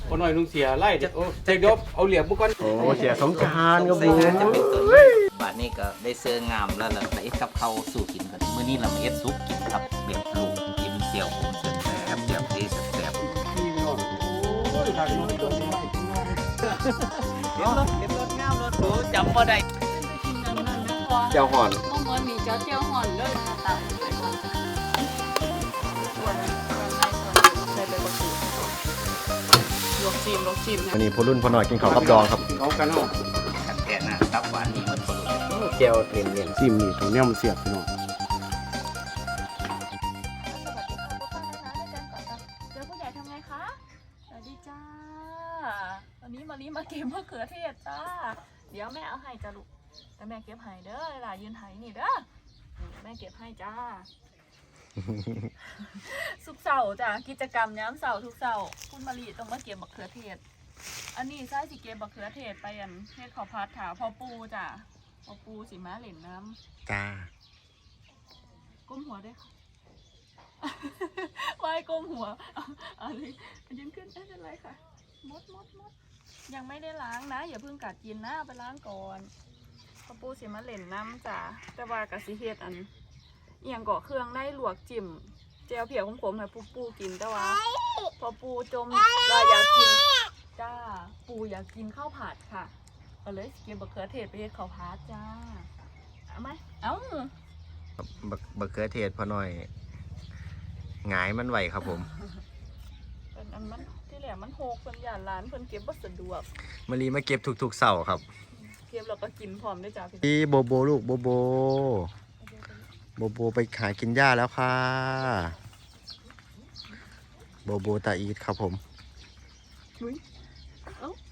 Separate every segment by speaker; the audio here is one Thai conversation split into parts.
Speaker 1: พอหน่อยลุงเสียไล่โอ้ใจดบเอาเหลี่ยมบุกกัน
Speaker 2: โอ้เสียสงกรานต์ครับผม
Speaker 3: บาทนี้ก็ได้เสื้องามแล้วล่ะแต่เอ็ดกับเขาสู่กินกันมื้อนี้เรามาเอ็ดซุปกินครับเบ็ดลูกกินเสี่ยวผมเสียแซ่บเสี่ยวเทแซ่บ
Speaker 1: พี่น้องโอ้ยทางน้องตัวนี้
Speaker 3: เห็นรถงามรถหรูจำบ่ได้
Speaker 2: เจ้าห่อน
Speaker 4: เมื่อวันนี้เจ้าห่อนด้วยต่างไปก่อนส่วนใส่ใบมะกรูดลวกจิ้ม
Speaker 2: วันนี้พอรุ่นพอหน่อยกินข้าวกับดองครับ
Speaker 1: เขากันเนาะ
Speaker 3: ขัดแกนะตับหวานนี่มันคนละ
Speaker 2: แก้วเลี่ยน
Speaker 1: ซิมนี่ตรงนี้มันเสียบพี่น้อง
Speaker 4: เจอผู้ใหญ่ทำไงคะสวัสดีจ้าวันนี้มาเก็บมะเขือเทศจ้าเดี๋ยวแม่เอาให้จ้าลูกแต่แม่เก็บให้เด้อหลานยืนไห้นี่เด้อแม่เก็บให้จ้าสุกเสาร์จ้ะกิจกรรมย้ำเสาร์ทุกเสาร์คุณมารีต้องมาเก็บมะเขือเทศอันนี้ใช่สิเก็บมะเขือเทศไปอันเทศข้าวผัดถาพอปูจ้ะพอปูสิมาเหล่นน้ำ
Speaker 2: จ้า
Speaker 4: ก้มหัวได้ค่ะวายก้มหัวอะไรยืนขึ้นไม่เป็นไรค่ะมดยังไม่ได้ล้างนะอย่าเพิ่งกัดกินนะไปล้างก่อนพอปูสิมาเหล่นน้ำจ้ะแต่ว่ากะสิเฮ็ดอันเอียงก่อเครื่องได้ลวกจิ้มเจียวเผียวของผมนะปูกินแต่ว่าพอปูจมเราอยากกินจ้าปูอยากกินข้าวผัดค่ะเอาเลยเก็บมะเขือเทศไปเฮ็ดข้าวผัดจ้าเอาไหมเอ้า
Speaker 2: บักเขือเทศพอหน่อยหงายมันไหวครับผม
Speaker 4: เป็นอันมันที่แหลมมันโหกเพิ่นย่านร้านเพิ่นเก็บบ่สะดวก
Speaker 2: มารีมาเก็บทุกๆเสาร์ครับ
Speaker 4: เก็บแล้วก็กินพร้อมได้จ้าพี่
Speaker 2: พี่โบโบลูกโบโบไปหากินหญ้าแล้วค่ะโบตาอีทครับผม
Speaker 4: อุ๊ยเอ้า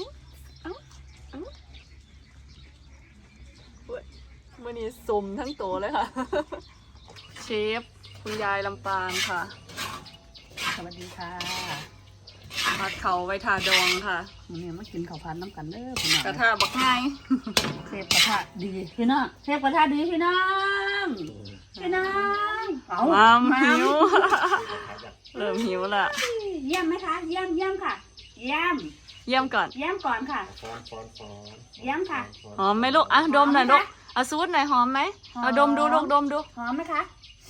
Speaker 4: มื้อนี้สุ่มทั้งโตเลยค่ะ เชฟคุณยายลำปางค่ะสวัสดีค่ะผัดเขาไว้ทาดองค่ะ
Speaker 5: มันเนี่ยมากินข้าวผัดน้ำกันเด้อพี่น้อง
Speaker 4: กระทะบักง่าย
Speaker 5: เทพกระทะดีพี่น้องเทพกระทะดีพี่น้องเอา
Speaker 4: มามหิว เริ่มหิวละ
Speaker 5: เยี่ยมไหมคะเยี่ยมค่ะเยี่ยม
Speaker 4: เยี่ยมก่อน
Speaker 5: ก่อนค่ะเยี่ยมค่ะ
Speaker 4: หอมไหมลูกอ่ะดมหน่อยลูกเอาซูดหน่อยหอมไหมเอาดมดูลูกดมดู
Speaker 5: หอมไหมคะ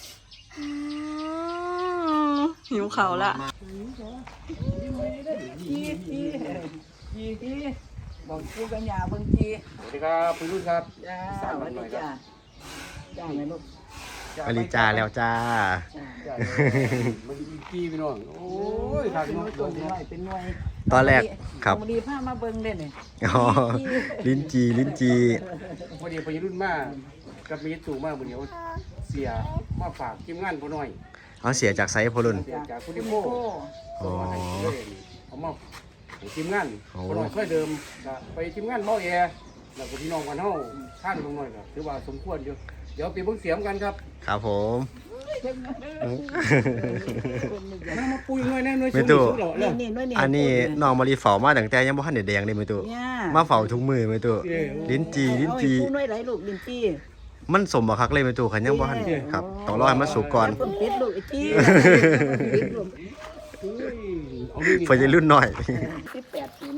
Speaker 4: หิวเขาละ
Speaker 5: จีบอกกูกันยาเบิ่งจี
Speaker 1: สวัสดีครับพี่รุ่นครับ
Speaker 5: จ้าสวัสดีจ้าจ้าไหมลูก
Speaker 2: มารีจ้าแล้วจ้า
Speaker 1: มันกี้พี่น้องโอ้ยทางน้องตัวนี้
Speaker 5: เป็นหน่วย
Speaker 2: ตอนแรกครับ
Speaker 5: ดีผ้ามาเบิ่งเล่นเนี่ย
Speaker 2: อ๋อลิ้นจี
Speaker 1: พอดีพี่รุ่นมากับมีตู่มากมื้อนี้เสียมาฝากทีมงานพอหน่อย
Speaker 2: เอาเสียจากไซส์พอรุ่น
Speaker 1: เสียจากคุณดิโม
Speaker 2: อ๋อ
Speaker 1: เอามาทีมงานพอหน่อยค่อยเดิมไปทีมงานเมาแอร์แล้วก็พี่น้องกันเฮาท่านลงหน่อยก็ถือว่าสมควรอยู่เดี๋ยวไปเบิ่งเสียงกันครับ
Speaker 2: ครับผม
Speaker 1: มาปุยหน่อยแน่หน่อย
Speaker 2: ไม่ตู่
Speaker 5: นี่หน่วยนี่
Speaker 2: อันนี้น้องมารีเฝ้ามาตั้งแต่ยังบ่ทันได้แดงเลยไม่ตู่
Speaker 5: เนี่ย
Speaker 2: มาเฝ้าทุกมือไม่ตู่ลิ้นจี
Speaker 5: ผู้หน่วยไหลลูกลิ้นจี
Speaker 2: มันสมบักคักเลยไม่ตู่ขันยังบ่ทันครับต้องรอให้มันสุกก่อน
Speaker 5: คนปิดลูกไอ้จี
Speaker 2: เพื่อจะรุ่นหน่อย
Speaker 5: 18 ปี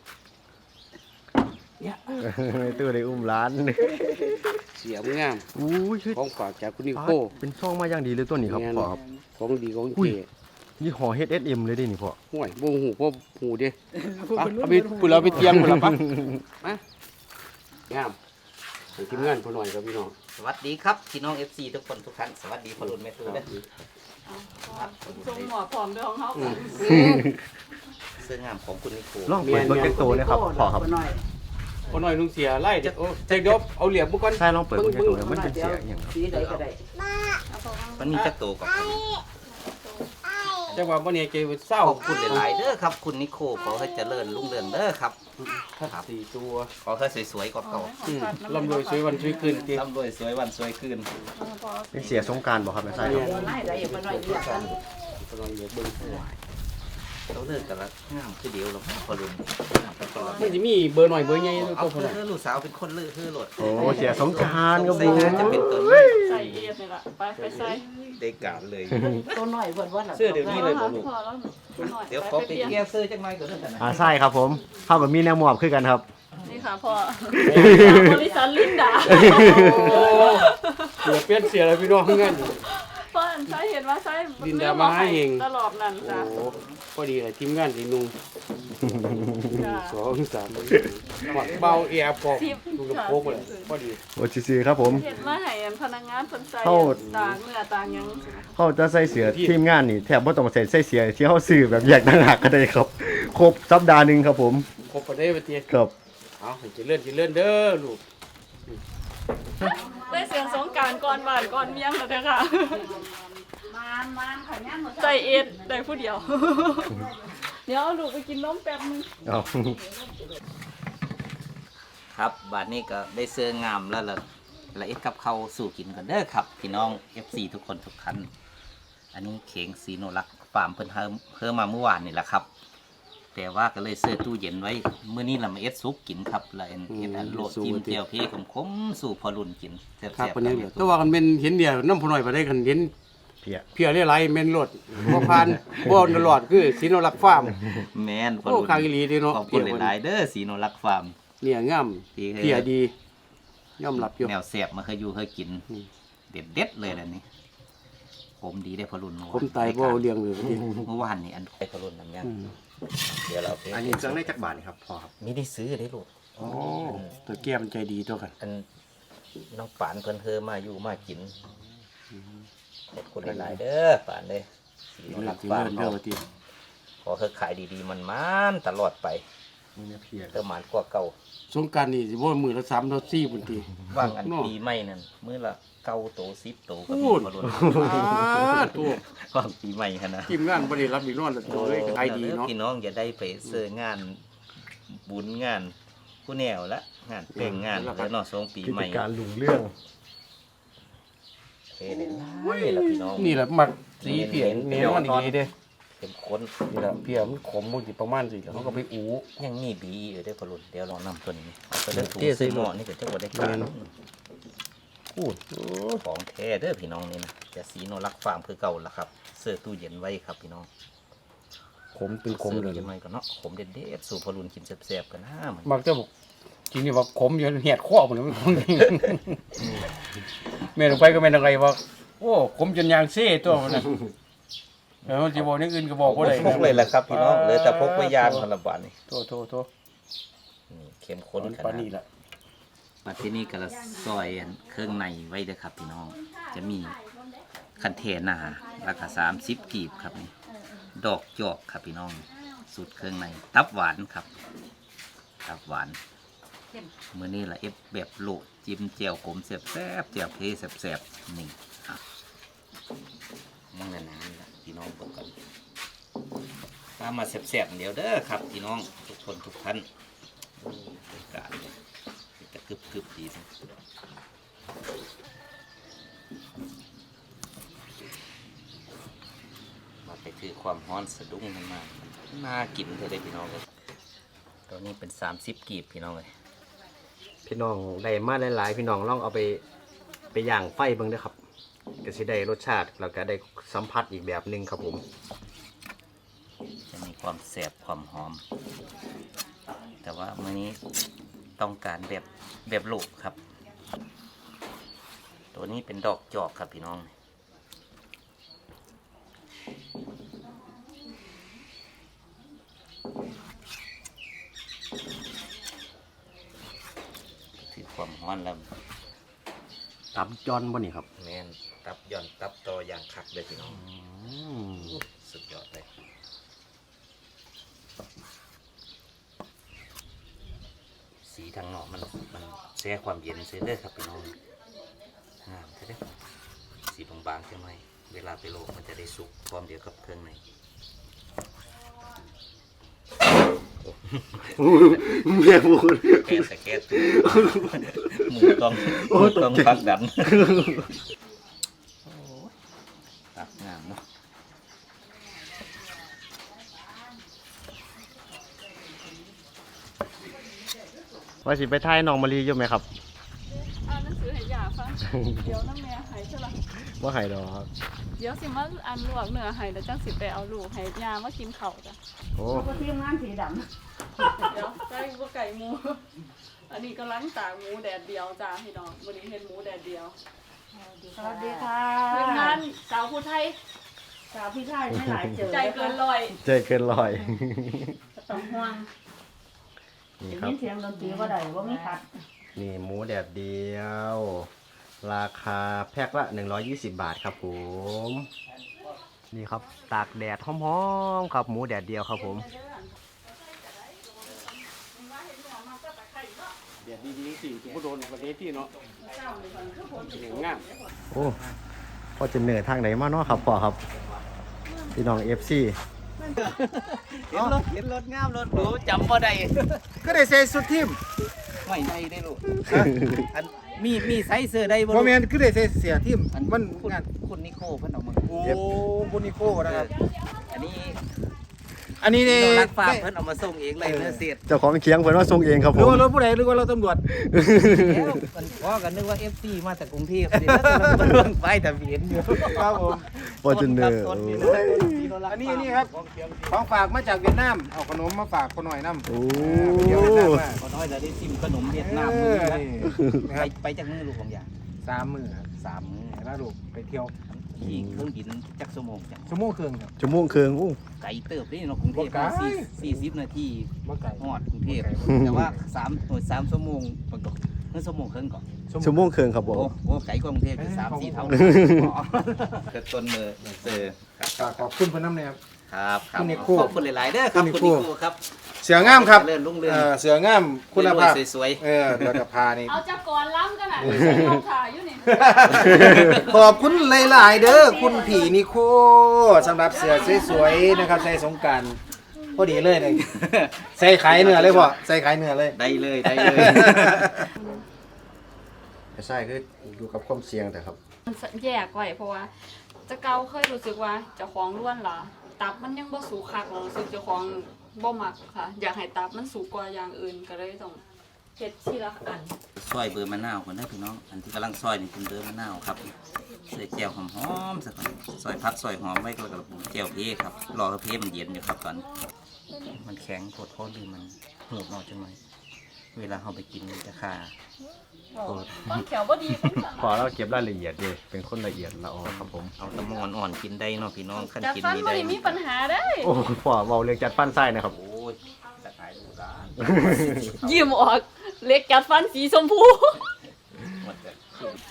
Speaker 2: ไม่ตู่ได้อุ้มร้าน
Speaker 1: เสียงงาม
Speaker 2: อู้ย
Speaker 1: ของฝากจากคุณนิโค
Speaker 2: เป็นช่องมาอย่างดีเลยตัวนี้ครับพ่อครับ
Speaker 1: ของดีของ
Speaker 2: อุ้ย
Speaker 1: เก๋
Speaker 2: ยี่ห้อ H&M เลยดินี่พ่อ
Speaker 1: ห่วยบ่หูพ่อหูเด้เอาไปพุ่นเราไปเตรียมพุ่นละปะมางามให้ทีมงานพอหน่อยครับพี่น้อง
Speaker 3: สวัสดีครับพี่น้อง FC ทุกคนทุกท่านสวัสดีพอรุ่นแม่ตูเด้อ
Speaker 4: ทรงหัวผอมด้วยของเขา
Speaker 3: เสื้องามของคุณนิโค
Speaker 2: ลองเปิดเบิ่งจักโตเลยครับพ่อครับ
Speaker 1: พอหน่อยลุงเสียไล่โอ้ใจดบเอาเหลี่ยมบุกก่อน
Speaker 2: ใช่ลองเปิดเบิ่งจักโตเลยมันเป็นเสียงอย่างครับ
Speaker 5: สีใดก็ได้
Speaker 3: มันมีจักโตกับผม
Speaker 1: จังหวะบ่เนี่ยเกเศร้า
Speaker 3: ขอบคุณหลายๆเด้อครับคุณนิโคขอให้เจริญรุ่งเรืองเด้อครับ
Speaker 1: ครับ4ตัว
Speaker 3: ขอให้สวยๆกว่าเก่า
Speaker 1: ลำรวยสวยวันสวยคืนติ
Speaker 3: ร่ำรวยสวยวันสวยคืน
Speaker 2: เป็นเสียสงกรานต์บ่ครับแม่ใช่ครับ
Speaker 5: ไล่ได้อย่ามาหน่อยเดียวกัน
Speaker 1: พอหน่อยเหลือเบิ่ง
Speaker 3: เขาเลิกกันแล้วงามคือเดียวหรอกพอรุ่น
Speaker 1: มันจะมีเบอร์หน่อยเบอร์ใหญ่
Speaker 3: เอา
Speaker 1: ตัวพอหน่อย
Speaker 3: เพื่อลูกสาวเป็นคนเลือกคือโหลด
Speaker 2: โอ้เสียสงกรารครับ
Speaker 3: ใส่
Speaker 2: ผม
Speaker 3: งานจะเป็นตัวนี้
Speaker 4: ใส่เอฟนี่ล่ะไปใส่
Speaker 3: ได้การเลย
Speaker 5: ตัวหน่อยเพิ่นว่าล่ะ
Speaker 3: เสื้อเดี๋ยวนี้เลย
Speaker 4: พ
Speaker 3: บ่
Speaker 4: อ
Speaker 3: ลูก
Speaker 4: แล้วหน่อย
Speaker 3: เดี๋ยวขอไปเกี่ยวเสื้อจังไรก่อนนะ
Speaker 2: ใช่ครับผมเท่ากับมีแนวหมอบขึ้นกันครับ
Speaker 4: นี่ค่ะพ่อบริษัทลินดา
Speaker 1: เสียเปลี่ยนเสียอะไรพี่น้องงั้น
Speaker 4: พ่ออันใช้เห็นว่าใช้
Speaker 1: ลินดามาให้เอง
Speaker 4: ตลอดนั่นจ้ะ
Speaker 1: โอ้พอดีเลยทีมงานสีนุ่ง
Speaker 4: จ้ะ
Speaker 1: 2 3หมักเบาแอร์พอกดูกระโปงเลยพอดี
Speaker 2: โอ้ซีครับผม
Speaker 4: เห็นมาให้อันพนักงานเพิ่นใส่
Speaker 2: เข้า
Speaker 4: ต่างเนื้อต่างหยัง
Speaker 2: เขาจะใส่เสือทีมงานนี่แทบไม่ต้องใส่เสือที่เขาซื้อแบบแยกต่างหากก็ได้ครับ ครบสัปดาห์หนึ่งครับผม
Speaker 1: ครบไปได้ปะเตี้ย
Speaker 2: ครับ
Speaker 1: เอาให้เจริญเด้อลูก
Speaker 4: ได้เสียงสงกรารก่อนบ้านก่อนเมียงแล้วเด้อค่ะ
Speaker 5: มานค่ะย่างหมด
Speaker 4: ใจเอ็ดได้ผู้เดียว เดี๋ยวเอาลูกไปกินนมแป๊บนึง
Speaker 2: เอา
Speaker 3: ครับบัดนี้ก็ได้เสื้องามแล้วล่ะละเอ็ดกับเขาวสู่กินกันเด้อครับพี่น้อง FC ทุกคนทุกท่านอันนี้เข่งสีโนรักฟาร์มเพิ่นเพิ่มมาเมื่อวานนี่แหละครับ แต่ว่าก็เลยเสื้อตู้เย็นไว้มื้อนี้เรามาเอ็ดซุปกินครับแล้วเอ็ดอันโลดจิ้มเจียวเพ่ขมๆสู่พอรุ่นกินแซ่บๆ
Speaker 1: ครับ
Speaker 3: กั
Speaker 1: วัน
Speaker 3: น
Speaker 1: นี้
Speaker 3: เด้อ
Speaker 1: แต่ว่ากันเป็นเห็นเดียวน้ำพอหน่อยไปได้กันเห็น
Speaker 2: เพีย
Speaker 1: เพียเรียไรเมนรถบ่ผ่านบ่ตลอดคือสีโนรักฟาร์ม
Speaker 3: แม่นพอ
Speaker 1: โอ้
Speaker 3: รุ่น
Speaker 1: คางอีหลีเด้เนาะ
Speaker 3: ขอบคุณหลายๆเด้อสีโนรักฟาร์ม
Speaker 1: เนี่ยงาม
Speaker 3: ที่ให้
Speaker 1: เพียดียอมรับอยู่
Speaker 3: แนวแสบมาเคยอยู่เคยกิน
Speaker 1: อืม
Speaker 3: เด็ดๆเลยแล้วนี่ผมดีได้พอรุ่นเมื่อวาน
Speaker 1: ผมตายบ่เอาเลี้ยงเลยพอดี
Speaker 3: เมื่อวานนี่อันไปพอรุ่นนั่นยัง
Speaker 1: อืม
Speaker 3: เดี๋ยวเราไป
Speaker 2: อันนี้เครื่องในจักรบาทนี่ครับพอครับ
Speaker 3: มีได้ซื้อได้ลูก
Speaker 1: โอ้ตัวแก้มใจดีตัวกัน
Speaker 3: อันน้องปานเพิ่นเธอมาอยู่มากินขอบคุณหลายๆเด้อปานเลยสีโนรัก
Speaker 1: สิ
Speaker 3: ฟา
Speaker 1: เลิ
Speaker 3: ร์ม
Speaker 1: ศเด้อว่าติ
Speaker 3: ขอเธอขายดีๆมันๆตลอดไป
Speaker 2: นี่นะเพีย
Speaker 3: เธอหมานกว่าเก่า
Speaker 1: สงกรานต์นี่สิบ่มื้อละ3 4พุ่นติ
Speaker 3: ว่างอัน
Speaker 1: เนาะ
Speaker 3: ปีใหม่นั่นมื้อละเก้าโต10โตก็
Speaker 1: พู
Speaker 3: มี
Speaker 1: ด
Speaker 3: พอรุ่น
Speaker 1: ตัว
Speaker 3: ว่างปีใหม่หั่นนะ
Speaker 1: ทีมงานบ่ได้รับอีกนอนละตัวเลยก็ขายดีเนาะ
Speaker 3: พี่น้องอย่าได้ไปเสื้องานบุญงานผู้แนวละงานแต่งงานแล้วเนาะสงปี
Speaker 2: กิ
Speaker 3: ให
Speaker 2: จ
Speaker 3: ม่
Speaker 2: การลุงเรื่อง
Speaker 3: เฮ้เลยล่ะพี่น้อง
Speaker 1: นี่แหละมักสีเพียแน่นอนดีเด้
Speaker 3: เข้มข้น
Speaker 1: นี่แหละเพียมันขมบ่สิประมาณสิแล้วเขาก็ไปอู
Speaker 3: ยังมีบีอยู่ได้อพอรุ่นเดี๋ยวลองนำตัวนี้เอาไปเลือกถู
Speaker 1: เจ๊ใส่
Speaker 3: ใส่หม้อนี่ก็จะบ่ได้การ
Speaker 1: แม่น พูด
Speaker 3: ของแท้เด้อพี่น้องนี่นะจะสีโนรักฟาร์มคือเก่าละครับเสื้อตู้เย็นไว้ครับพี่น้อง
Speaker 1: ขมเป็นขม
Speaker 3: สื้อ
Speaker 1: เล
Speaker 3: ตู้
Speaker 1: ย
Speaker 3: เย็นไว้ก็เนาะขมเด็ดๆสู่พอรุ่นกินแซ่บๆกันนะมัน
Speaker 1: มักจะบอกจริงนี่ว่าขมอยู่เหียดข้อผมเลยมันขมจริงแม่ลงไปก็แม่นอะไรว่าโอ้ขมจนยางเซ่ตัวมันน่ะแล้วสิบอกอย่างอื่นก็บอกบ่ได้
Speaker 3: พกเลยแหละครับพี่น้องเหลยแต่พกไว้ยานพนละบาทนี่
Speaker 1: โท
Speaker 3: นี่เข้มข้นข
Speaker 1: ปาน
Speaker 3: นาด
Speaker 1: นี้ล่ะ
Speaker 3: มาที่นี่ก็ละซอยอันเครื่องในไว้เด้อครับพี่น้อง จะมีคันเทนาราคา30กีบครับนี่ดอกจอกครับพี่น้องสูตรเครื่องในตับหวานครับตับหวานมื้อนี้ละเอฟแบบโลดจิ้มเจียวขมแซ่บๆเจียวเพแซ่บๆนี่ครับนั่งนานๆละพี่น้องเบิ่งกันตามมาแซ่บๆเดี๋ยวเด้อครับพี่น้องทุกคนทุกท่านโอ้บรรยากาศเนี่ยจะกึบๆดีสิมาไปถือความร้อนสะดุ้งขึ้นมาน่ากินเลยพี่น้องเลยตัวนี้เป็น30กีบพี่น้องเลย
Speaker 2: พี่น้องได้มาหลายๆพี่น้องลองเอาไปย่างไฟเบิ่งเด้อครับก็สิได้รสชาติแล้วก็ได้สัมผัสอีกแบบหนึงครับผม
Speaker 3: จะมีความแสบความหอม แต่ว่ามื้อนี้ต้องการแบบลูกครับ ตัวนี้เป็นดอกจอกครับพี่น้องถือความร้อนแล้ว
Speaker 2: ตับจอนบ่นี่ครับ
Speaker 3: แม่นตับย่อนตับตออย่างคักเลยพี่น้องสุดยอดเลยสีทางนอกมันแช่ความเย็นเสียเลยครับพี่น้องงามใช่ไหมสีบางๆใช่ไหมเวลาไปโลกมันจะได้สุกพร้อมเดียวกับเครื่องใน
Speaker 2: เมียพูด
Speaker 3: แค่แต่แค่ตัวหมูต้องพักดันตักงามเนาะ
Speaker 2: ว่าสิไปถ่ายน้องมะลิอยู่ไหมครับ
Speaker 4: อ่านหนังสือให้ยาฟังเดี๋ยวน้ำแม่ให้ใช่ละ
Speaker 2: ว่าให้ดอกครับ
Speaker 4: เดี๋ยวสิมาอันลวกเนื้อให้แล้วจังสิไปเอาลูกให้ยามากินข้าวจ้ะ
Speaker 2: โอ้
Speaker 5: เขาก็ทีมงานสีด
Speaker 4: เดี๋ยวไก่บ่ไก่หมู อันนี้กำลังตากหมูแดดเดียวจ้าพี่น้องวันนี้เฮ็ดหมูแดดเดียว
Speaker 5: ำสวัสดีค่ะ
Speaker 4: ทีมงานสาวผู้ไทย
Speaker 5: สาวพี่ชายไม่หลายเจอ
Speaker 4: ใจเกินร้อย
Speaker 2: ใจเกินลอย
Speaker 5: ต้องห่วง
Speaker 2: นี่
Speaker 5: ได้
Speaker 2: ครับ
Speaker 5: ยินเสียงดนตรีว่าได้ว่ามีขัด
Speaker 2: นี่หมูแดดเดียว ราคาแพ็คละ120 บาทครับผมนี่ครับตากแดดหอมๆครับหมูแดดเดียวครับผม
Speaker 1: เดี๋ยวดีๆสิทุกโดนประเทศที่เนาะอย่างงาม
Speaker 2: โอ้พอจะเหนื่อยทางไหนมาเนาะครับพ่อครับพี่น้อง FC
Speaker 3: เห็นรถงามรถหรูจำบ่ได้
Speaker 6: ก็ได้ใส่สุดทีม
Speaker 3: ไม่ได้ได้ลูกอันมีไซส์เสื้อได้บ่
Speaker 6: โม
Speaker 3: ลูก
Speaker 6: เมนต์ก็ได้ใส่เสียทีมมัน
Speaker 3: คุณ
Speaker 6: งาน
Speaker 3: คุณนิโคเพิ่นเอามา
Speaker 6: โอ้บุนิโคนะครับ
Speaker 3: อันนี้
Speaker 6: อันนี้เนี่ย
Speaker 3: เรารักฟ้าเพิ่นเอามาส่งเองเลยเนื้อเสียด
Speaker 2: เจ้าของเคียงเพิ่นว่าส่งเองครับ
Speaker 6: ห
Speaker 2: ผ
Speaker 6: รือ
Speaker 2: ม
Speaker 6: ว่ารถผู้ใดหรือว่าเราตำรวจ
Speaker 3: แล้วมันพอกันนึกว่า FC มาจากกรุงเทพนี่แล้วมันเบิ่งไปทะเบียนอยู่
Speaker 6: ครับผม
Speaker 2: ฟอร์จูเนอร์
Speaker 3: ต้นนี่
Speaker 6: อันนี้นี่ครับของฝากมาจากเวียดนามเอาขนมมาฝากคนหน่อยน้ำ
Speaker 2: โอ้
Speaker 6: ไปเที่ยวเวียดนามมา
Speaker 3: ก็น้อยจะได้ชิมขนมเวียดนาม
Speaker 6: เอ
Speaker 3: มื้อ
Speaker 6: อ
Speaker 3: นะ
Speaker 6: นี่นะครับ
Speaker 3: ไปจากมื้อลูกของยา
Speaker 6: 3 มื้อครับ
Speaker 3: 3มื้อ
Speaker 6: แล้วลูกไปเที่ยว
Speaker 3: ขี่เครื่องบินจักชั่วโมงจัง
Speaker 6: ชั่วโมงครึ่งครับ
Speaker 2: จมูกเคืองอู้
Speaker 3: ไกลเติบนี่เนาะกรุงเทพ
Speaker 6: บ่ไกล
Speaker 3: 40 นาที
Speaker 6: บ่ไกล
Speaker 3: ฮอดกรุงเทพแต่ว่า3ชั่วโมงปกติเมื่อชั่วโมงครึ่งก่อน
Speaker 2: ชั่วโมงเคืองครับผ
Speaker 3: โอ้
Speaker 2: ม
Speaker 3: โหไกลกว่ากรุงเทพอยู่3-4 เท่าเกิดต้นมือเจอ
Speaker 6: ฝากขอบคุณเพิ่นน้ำเนี่ยครับ
Speaker 3: ครับครับ
Speaker 6: คุณนิโค
Speaker 3: ขอบคุณหลายๆเด้อครับ
Speaker 6: คุ
Speaker 3: คุณ ณ
Speaker 6: นิ
Speaker 3: นิ
Speaker 6: โค
Speaker 3: โคครับ
Speaker 6: เสืองามครับ
Speaker 3: เลื่อนรุ่งเรือง
Speaker 6: เสืองามคุณภาพ
Speaker 3: สวย
Speaker 6: แล้วก็พานี่
Speaker 4: เอาจากก่อนล้ำกันอ่ะเอาถ่ายอยู่นี่
Speaker 6: ขอบคุณหลายๆเด้อคุณผีนิโคสำหรับเสือสวยๆนะครับใส่สงกรารพอดีเลยเนี่ยใส่ขายเนื้อเลยพ่อใส่ขายเนื้อเลย
Speaker 3: ได้เลยได้เลย
Speaker 2: ใช่คืออยู่กับความเสี่ยงแต่ครับ
Speaker 4: มันแยกไว้เพราะว่าจะเกาเคยรู้สึกว่าเจ้าของล้วนล่ะตับมันยังบ่สูคักเรารู้สึกเจ้าของบ่มักค่ะ อยากให้ตับมันสูงกว่าอย่างอื่นก็เลยต้องเฮ็ดทีละอัน
Speaker 3: ซอยเบอร์มะนาวก่อนเด้อพี่น้องอันที่กำลังซอยนี่เป็นเบอร์มะนาวครับใส่แจ่วหอมๆสักก่อนซอยพักซอยหอมไว้ก็แล้วก็แจ่วเพครับรอให้เพมันเย็นอยู่ครับตอนนี้มันแข็งปวดท้องดีมันหูบนอกจังเลยเวลาเราไปกินมันจะคา
Speaker 4: ต้นเขียวบ่ดีต้นสั่ง
Speaker 2: พอเราเก็บรายละเอียดดีเป็นคนละเอียดละออครับผม
Speaker 3: เอาตะมอนอ่อนกินได้เนาะพี่น้องขั้น
Speaker 4: จัด
Speaker 3: กิน
Speaker 4: ฟัน
Speaker 3: นี่
Speaker 4: บ่
Speaker 3: ได้
Speaker 4: ได้มีปัญหาได้
Speaker 2: โอ้พ่อเบาเรื่องจัดฟันไส้นะครับ
Speaker 3: โอ้ยจะขายดูร้าน
Speaker 4: ยิ้มออกเล็กจัดฟันสีชมพู
Speaker 3: หมดเลย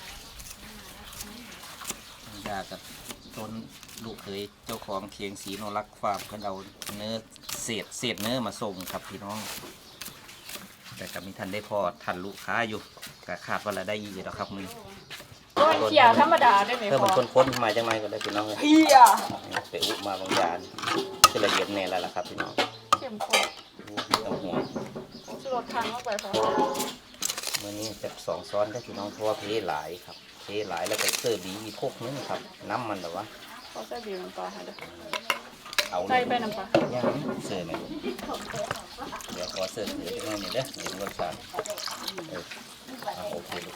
Speaker 3: ยากับต้นลูกเคยเจ้าของเคียงสีโนรักฟาร์มเพิ่นเอาเนื้อเศษเนื้อมาส่งครับพี่น้อง แต่ก็มีท่านได้พอทันลูกค้าอยู่ก็คาดว่าเราได้ยีอยู่แล้วครับมือ
Speaker 4: ต้นเขียวธรรมดาได้ไหม
Speaker 3: เพิ่ม
Speaker 4: พ่อ
Speaker 3: มันค้นๆมาจังไรก็ได้พี่น้องเลย
Speaker 4: เฮีย
Speaker 3: ไปอุมาบางยานคือละเอียดแน่แล้วล่ะครับพี่น้อง
Speaker 4: เข้มข้น
Speaker 3: ต้องห่วง
Speaker 4: ชูรสทางเข้าไปพอ
Speaker 3: มื่อนี้จะ2 ซ้อนได้พี่น้องเพราะว่าเพหลายครับเพหลายแล้วก็เสิร์ฟดีอีกพวกนึงครับน้ำมันแต่ว่า
Speaker 4: เขาใส่บีบน้ำปลาให้เด้อ
Speaker 3: เอา
Speaker 4: ใส่ไปน้ำปลา
Speaker 3: ย่างเสิร์ฟไหมเดี๋ยวขอเสิร์ฟเหลือจังเลยนี่เด้อเดี๋ยวรสชาติโอเคลูก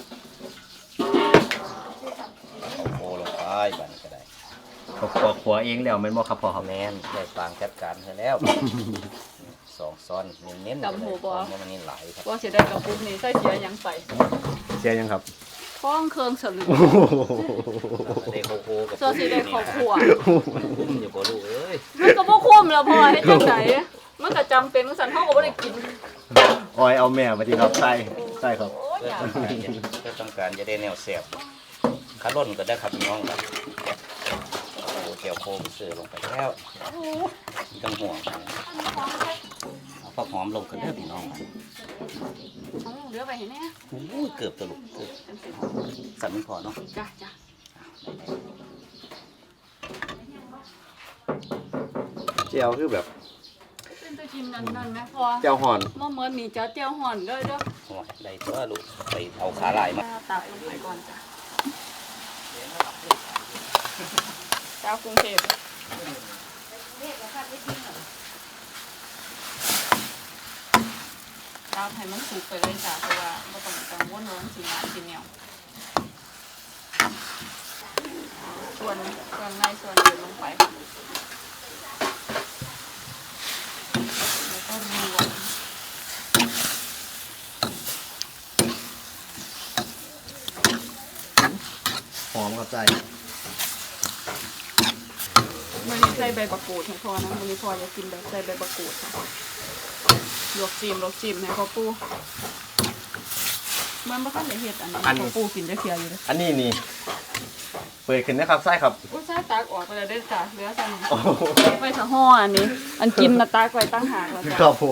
Speaker 3: เอาโคลงไปบัดนก็ได้
Speaker 2: ขัวเองแล้วแม่นบ่ครับพ่อครับ
Speaker 3: แม่นได้ฟางจัดการให้แล้ว 2 ซ้อนเน้นๆเลยเพราะว่ามันนี่หลายครับ
Speaker 4: ว่าสิได้กับปุ๊บนี่ใส่เสียหยังใส่
Speaker 2: เสียยังครับ
Speaker 4: ท้องเครื่องสลึง
Speaker 3: ได้โคโค่กับ
Speaker 4: โซสิได้ครอบครัว
Speaker 3: อย่าบ่รู้เอ้ย
Speaker 4: มันก็บ่คุ้มแล้วพ่อเฮ็ดจังไดมันก็จำเป็นสั่นเฮาก็บ่ได้กิน
Speaker 2: ออยเอาแม่มาดีครับใช่ใช่ครับ
Speaker 4: โอ้ยอยาก
Speaker 3: เพื่อต้องการจะได้แนวแสบขาล่นก็ได้ครับพี่น้องครับโอ้เจียวโคมเสือลงไปแล้วไม่ต้องห่วงเอาผักหอมลงกันเด้อพี่น้องครับ
Speaker 4: เอาเหลือไปให้แน่
Speaker 3: โอ้ยเกือบตะลุกเกือบสั่นไม่พอเนาะ
Speaker 4: จ้ะจ้ะ
Speaker 2: เจียวคือแบบ
Speaker 4: เป็นตะกินนั่นๆนะพ่อ
Speaker 2: เจียวห่อน
Speaker 4: บ่เหมือนมีเจ้าเจียวห่อนด้วยเด้อ
Speaker 3: โอ้ยได้ตัวลูกไปเอาขาลายมา
Speaker 4: ตักลงไปก่อนจ้ะเจ้ากรุงเทพตซับให้มันสุกไปเลยจ้ะเพราะว่าบ่ต้องกังวลว่ามันสิหวานสิเหนียวส่วนในส่วนอื่นลงไปแล้วก็รวม
Speaker 2: หอมครับใจ
Speaker 4: มันนี้ใส่ใบมะกรูดให้พอนะมันนี้พอจะกินแบบใส่ใบมะกรูดค่ะลวกจิ้มให้พ่อปู่มันบ่ทันได้เฮ็ดอันนี้พ่อปู่กินจะเคี่ยวอยู่เลย
Speaker 2: อันนี้นี่เปิดขึ้นนะครับไส้ครับ
Speaker 4: อุ้ยใส่ตักออกไปเลยได้จ้ะเหลือสั่น
Speaker 2: โอ้โห
Speaker 4: ไว้ถ้าห่ออันนี้ อันกินน่ะตักไว้ตั้งหากแล้ว
Speaker 2: ค
Speaker 4: จ้ะ
Speaker 2: รับผม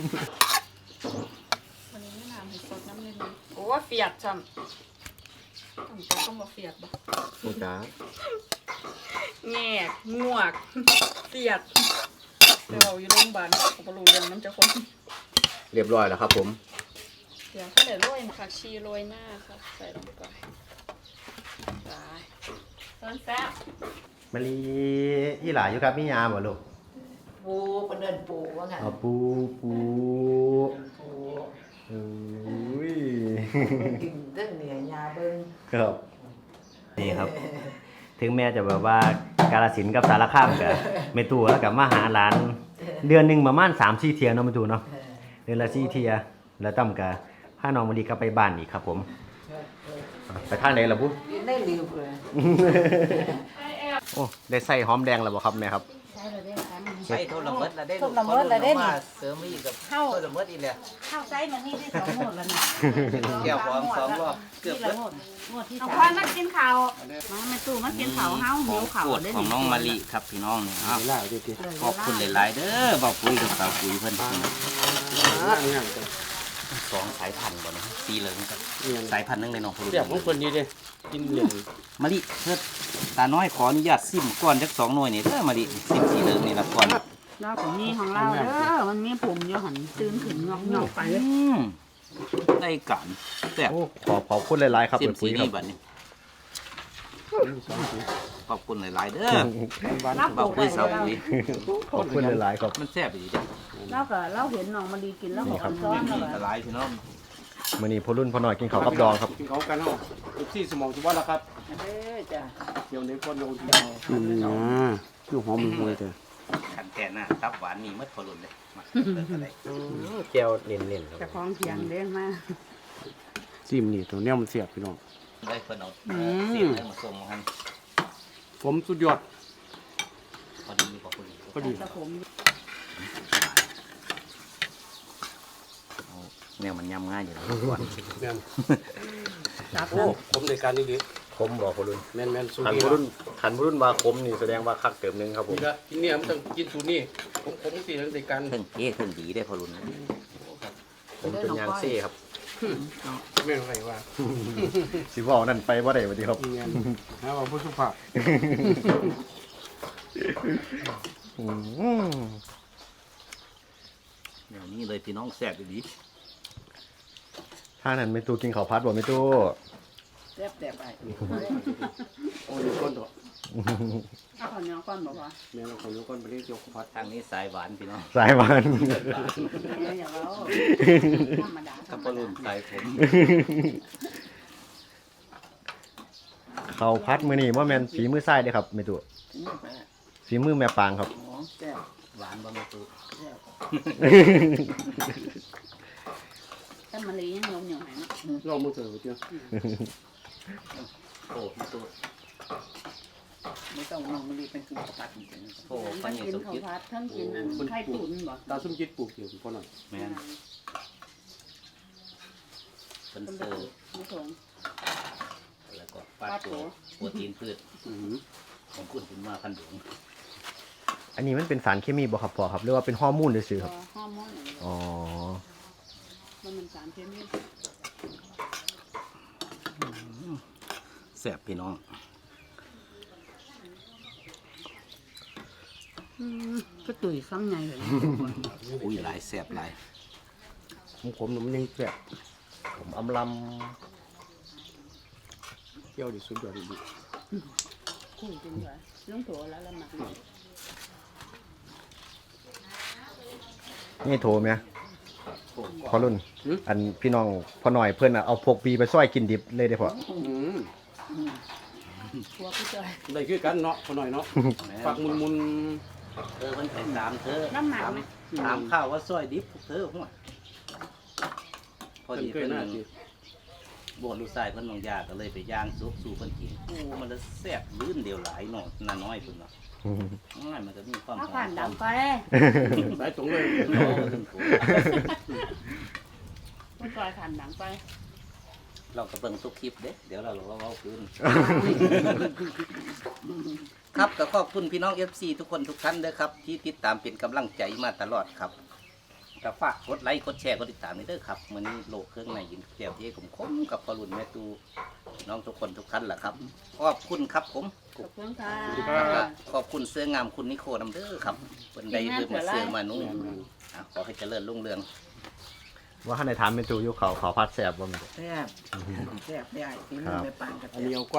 Speaker 4: วันนี้ไม่น้ำให้สดน้ำเลยนี่โอ้เฟียดจ้ำต้องบ่เฟียดบ่
Speaker 2: โอ้จ้า
Speaker 4: แงกงวกเฟียดเดี๋ยวเราอยู่โรงพยาบาลเขาบ่รู้เรื่องน้ำจะคน
Speaker 2: เรียบร้อยแล้วครับผม
Speaker 4: เดี๋ยวเขาเดี๋ยวโรยผักชีโรยหน้าค่ะใส่ลงไปไปต้นแซ่บ
Speaker 2: มะลิอีหลาอยู่ครับมียาบ่ลูก
Speaker 5: ปูเป็นเดินปูว่าไง
Speaker 2: เอาปูโอ้ย
Speaker 5: กินเรื่องเหนื่อยยาเบิ้ง
Speaker 2: ครับนี่ครับ ถึงแม้จะแบบว่ากาฬสินธุ์กับสารคามกับเมตูแล้วกับมาหาหลาน เดือนหนึ่งประมาณ3-4 เที่ยเนาะเมตูเนาะเดือนละ4 เที่ยแล้วตั้มกับพาน้องมะลิกลับไปบ้านอีกครับผมไปทางไหนล่ะปุ๊
Speaker 5: กินได้ลืมเลย
Speaker 2: โอ้ได้ใส่หอมแดงแล้วบ่ครับแม่ครับ
Speaker 5: ใช่เลยได้ครับ
Speaker 3: ใส่โทรละเมิดละได้
Speaker 5: โทรละเมิดละได้นี่
Speaker 3: เสริมอีกกับ
Speaker 5: เข้า
Speaker 3: โทรละเมิดอีกแล้ว
Speaker 5: ข้าวไส้มันนี่ได้2 หมดแล้วนะ
Speaker 3: แก้วของ2 รอบเกือบ
Speaker 5: นี่
Speaker 3: เบิ
Speaker 5: ละ
Speaker 3: ด
Speaker 5: หมดที่
Speaker 4: เอา
Speaker 5: 3
Speaker 4: พ่อมากินข้าว
Speaker 5: มาแม่ตู้มากินข้าวเฮาหิวข้าว
Speaker 3: โปรดของน้องมะลิครับพี่น้องเนี่ยครับ
Speaker 1: ล่าดิดิ
Speaker 3: ขอบคุณหลายๆเด้อบอกคุยกับสาวคุยเพิ่น
Speaker 1: เนี่ย
Speaker 3: 2 สายพันธุ์บ่เนาะสีเหลืองกับ
Speaker 1: เนี่ย
Speaker 3: สายพันธุ์หนึงเลยน้องพลุ
Speaker 1: เสียบของคนนี้เด้กินเหลือง
Speaker 3: มะลิเพิ่นตาน้อยขออนุญาตซิมก่อนจัก2 หน่วยนี่เด้อมะลิซิมสีเหลืองนี่ละก่อน
Speaker 5: เราของนี่ของเราเด้อมันมีผมอยู่หันตื่นขึ้นงอกๆไปเลย
Speaker 3: ได้กันแต่บ
Speaker 2: โอ้ขอบคุณหลายๆครับ
Speaker 3: ซิม
Speaker 2: เปิด
Speaker 3: สี
Speaker 2: ปุ๋ยค
Speaker 3: นี่
Speaker 2: รับ
Speaker 3: บัดนี้ขอบคุณหลายๆเด้อ
Speaker 5: เราป
Speaker 3: บอ
Speaker 5: ลู
Speaker 3: ก
Speaker 5: ก
Speaker 3: คุ
Speaker 5: ไว้
Speaker 3: ยสาว
Speaker 5: เรา
Speaker 3: คุย
Speaker 2: ขอบคุณหลายๆครับ
Speaker 3: มันแซ่บดีจ้ะ
Speaker 5: เราเห็นน้องมันดีกินแล้วก็อันซ้อน
Speaker 3: มี
Speaker 5: แล้ว
Speaker 3: หลายพี่น้อง
Speaker 2: มื้อนี้พ่อรุ่นพ่อน้อยกินข้าวกับดองครับ
Speaker 1: กินเขากันเนาะที่สมองสุวรรณครับ
Speaker 5: เด้อจ้ะ
Speaker 1: เดี๋ยวในคนโดนที่อยู่หอมมือเถอะ
Speaker 3: ขันแทนน่ะตับหวานนี่มัดพอรุนเลยมาเลิกอะไร
Speaker 2: แก้วเน้นๆค
Speaker 5: จะ
Speaker 2: รับ
Speaker 5: คล้องเทียงเด้งมา
Speaker 1: ซิมนี่ตัวเนี้ยมันเสียบพี่น้อง
Speaker 3: ได้เพิ่นเอาเสียงได้มาส่งมาให้
Speaker 1: ผมสุดยอด
Speaker 3: พอดีพอดี
Speaker 1: พอดี
Speaker 5: ตะผม
Speaker 3: แนวมันยำง่ายอยู่แล้วก่อน
Speaker 1: แม่น
Speaker 5: จับ
Speaker 1: โอ้ผมในการนี้ดิ
Speaker 2: คมบ่พ่อรุ่น
Speaker 1: แม่นสูตร
Speaker 2: หัน
Speaker 1: นี้
Speaker 2: พ่อรุ่นว่าคมนี่แสดงว่าคักเติมนึงครับผม
Speaker 1: นี่ละกินเนี่ยมันต้องกินสูตรนี้ผมสิในการ
Speaker 3: เครื่องเอ๊ะเครื่องดีได้พอรุน
Speaker 2: ผมเป็นยางซี่ครับ
Speaker 1: ไม่รู้ใครว่า
Speaker 2: สิว่านั่นไปบ่ได้บัดนี้ครับ
Speaker 1: เงี้ยนะว่าผู้สุภาพ
Speaker 2: อืม
Speaker 3: แนวนี้เลยพี่น้องแซ่บดี
Speaker 2: ถ้านั้นไม่ตู้กินข้าวผัดบ่ไม่ตู้
Speaker 5: แซ่บแซ่บไป
Speaker 1: โอ้ยก้อนตัว
Speaker 5: เอาข้าวเหนียวก้อนบอกว่า
Speaker 1: แม่เราคนยกก้อนไปเรียกยกพัด
Speaker 3: ทางนี้สายหวานพี่น้อง
Speaker 2: สายหวาน
Speaker 5: อย่าเล่าธรรมดา
Speaker 3: กับพอรุนสายผม
Speaker 2: ข้าวผัดมื้อนี้บ่แม่นฝีมือซ้ายเด้อครับไม่ตู้ฝีมือแม่ปางครับ
Speaker 5: แซ่บ
Speaker 3: หวานบะหมี่ตู
Speaker 5: แซ่บแต่มะลิยังเหนียวๆหน่อยนะ
Speaker 1: ลองมือเถอะเจ้า
Speaker 3: โอ้พี่ตู
Speaker 5: ไม่ต้องน้องมะลิเป็นกินข้าวผัดจริง
Speaker 3: โอ้
Speaker 5: ๆ
Speaker 3: ปั
Speaker 5: ทั้
Speaker 3: น
Speaker 5: ง
Speaker 3: นี่
Speaker 5: กิน
Speaker 3: สม
Speaker 5: ข้าว
Speaker 3: คิด
Speaker 5: ผัดทั้งกินอันไข่ตุ๋นบ่
Speaker 1: ตาซุ่มจิตปลูกเกี่ยวพอหน่อย
Speaker 3: แม่นเป็นเตอร์
Speaker 5: ไม่ถง
Speaker 3: แล้วก็ปลาตัวโปรตีนพืชของคุณถึงมาพันหลวง
Speaker 2: อันนี้มันเป็นสารเคมีบ่ครับพ่อครับหรือว่าเป็นฮอร์โมนซื่อๆครับ
Speaker 5: ฮอร์โมนอย่างเดียว
Speaker 2: อ๋อ
Speaker 5: มันเป็นสารเคมี
Speaker 3: แซ่บพี่น้อง
Speaker 5: ก็ตุ๋ยซ้ำไงเลย
Speaker 3: อุ้ยหลายแซ่บหลาย
Speaker 1: ผมมันยังแสบ
Speaker 2: ผมอำล
Speaker 1: เกี่ยวดิสุดยอดดิ
Speaker 5: คู่จริงเลยลุงโถแล้วละหมัก
Speaker 2: ำนี่โทรไหม
Speaker 1: โอ้
Speaker 2: พอรุ่น อันพี่น้องพอหน่อยเพิ่นน่ะเอาพกปีไปซอยกินดิบเลยเด้อพ่อ
Speaker 5: หัวผู้จอย
Speaker 1: ได้คือกันเนาะพอหน่อยเนาะฝักมุน
Speaker 3: มันเป็นตามเธอ
Speaker 5: น้ำหนักไหม
Speaker 3: ถามข้าวว่าซอยดิบพวกเธอหัวพอ
Speaker 1: ๆ
Speaker 3: ดี
Speaker 1: เคย
Speaker 3: เพิ่น
Speaker 1: หน้าที่
Speaker 3: บวชลูกชายเพิ่นบางยาก็เลยไปย่างซุปสู่เพิ่นกินโอ้มันละแซ่บลื่นเดียวหลายเนาะน่าน้อยเพิ่นเนาะน้อยมันก็มีความ
Speaker 5: เอาผ่านดังไป
Speaker 1: สายตรงเลย
Speaker 5: ผู้จอยผ่านดังไป
Speaker 3: เราก็เบิ่งทุกคลิปเด้เดี๋ยวเราเว้าคืน ครับก็ขอบคุณพี่น้อง FC ทุกคนทุกท่านเด้อครับที่ติดตามเป็นกำลังใจมาตลอดครับก็ฝากกดไลค์กดแชร์กดติดตามด้วยเด้อครับมื้อนี้โลกเครื่องในยินแก้วที่ผมคมกับพอรุ่นแม่ตูน้องทุกคนทุกท่านแหละครับขอบคุณครับผม
Speaker 5: ขอบคุณค่ะ
Speaker 3: แล้วก็ขอบคุณเสื้องามคุณนิโคนํเด้อครับเพิ่นได้เริ่มมาเสื้อมานุ่งขอให้เจริญรุ่งเรือง
Speaker 2: ว่าท่านได้ถามเมนูอยู่เขาพัดแซ่บบ่แม่น
Speaker 7: แซ่บแซ่บได้ฝีมือแม่ปานกับ
Speaker 1: อันนี้เอา